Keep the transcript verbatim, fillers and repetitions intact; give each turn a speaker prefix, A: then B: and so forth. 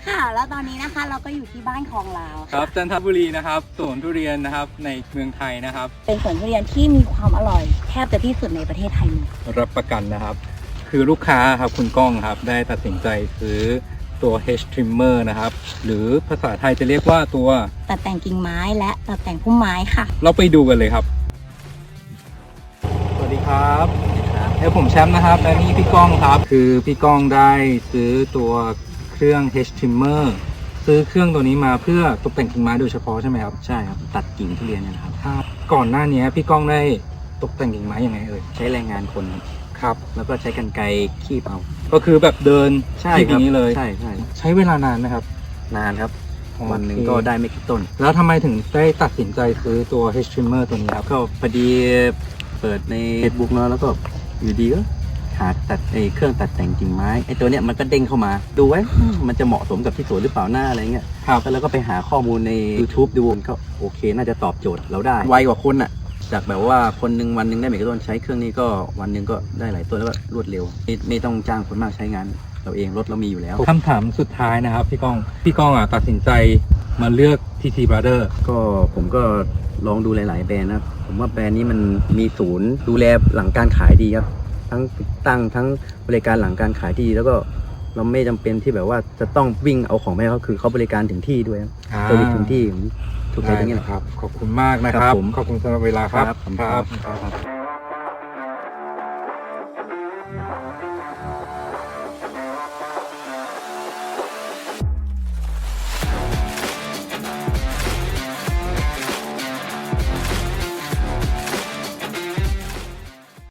A: ค่ะแล้วตอนนี้นะคะเราก็อยู่ที่บ้านของเรา
B: ครับจันทบุรีนะครับสวนทุเรียนนะครับในเมืองไทยนะครับ
A: เป็นสวนทุเรียนที่มีความอร่อยแทบจะที่สุดในประเทศไทยเลย
B: รับประกันนะครับ คือลูกค้าครับคุณก้องครับได้ตัดสินใจซื้อตัว Hedge Trimmer นะครับหรือภาษาไทยจะเรียกว่าตัว
A: ตัดแต่งกิ่งไม้และตัดแต่งพุ่มไม้ค่ะ
B: เราไปดูกันเลยครับสวัสดีครับเอ้ผมแชมป์นะครับและนี่พี่ก้องครับคือพี่ก้องได้ซื้อตัวเครื่อง Hedge Trimmer ซื้อเครื่องตัวนี้มาเพื่อตกแต่งกิ่งไม้โดยเฉพาะใช่ไหมครับ
C: ใช่ครับตัดกิ่งทุเรียนเนยนะครับ
B: ครับก่อนหน้านี้พี่ก้องได้ตกแต่งกิ่งไม้ยังไงเอ่ย
C: ใช้แรงงานคนครับ
B: ครับ
C: แล้วก็ใช้กรรไกรคีบเอา
B: ก็คือแบบเดิน
C: ใช่
B: ที่
C: ครับ
B: นี้เลย
C: ใช่ใช่
B: ใช้เวลานานไหมครับ
C: นานครับ
B: โอเค
C: วันหนึ่งก็ได้ไม่กี่ต้น
B: แล้วทำไมถึงได้ตัดสินใจซื้อตัว Hedge Trimmer ตัวนี้ครับ
C: ก็พอดีเปิดใน Facebook เนาะแล้วก็อยู่ดีก็หาตัดไอ้เครื่องตัดแต่งกิ่งไม้ไอ้ตัวเนี้ยมันก็เด้งเข้ามาดูไว้อืมมันจะเหมาะสมกับที่สวนหรือเปล่าหน้าอะไรเงี้ย
B: ครับ
C: แล้วก็ไปหาข้อมูลใน YouTube ดูมันก็โอเคน่าจะตอบโจทย์เราได้ไวกว่าคนอ่ะจากแบบว่าคนหนึ่งวันหนึ่งได้ไม่กี่ต้นใช้เครื่องนี้ก็วันหนึ่งก็ได้หลายต้นแล้วก็รวดเร็วไม่ไม่ต้องจ้างคนมากใช้งานเราเองรถเรามีอยู่แล้ว
B: คำถามสุดท้ายนะครับพี่ก้อง พี่ก้องอ่ะตัดสินใจมาเลือก ที ที Brother
C: ก็ผมก็ลองดูหลาย ๆ แบรนด์นะครับผมว่าแบรนด์นี้มันมีศูนย์ดูแลหลังการขายดีครับทั้งติดตั้งทั้งบริการหลังการขายที่ดีแล้วก็เราไม่จำเป็นที่แบบว่าจะต้องวิ่งเอาของไปให้เขาคือเขาบริการถึงที่ด้วยครับ
B: อ่า
C: เซอร์วิสถึงที่ถูกใจ
B: ได้
C: ตรงนี้
B: นะ
C: แหละ
B: ครับ ขอบคุณมากนะค
C: ครั
B: รับบ
C: ผม
B: ขอบคุณสำหรับเวลาครับ
C: ครับผมครับ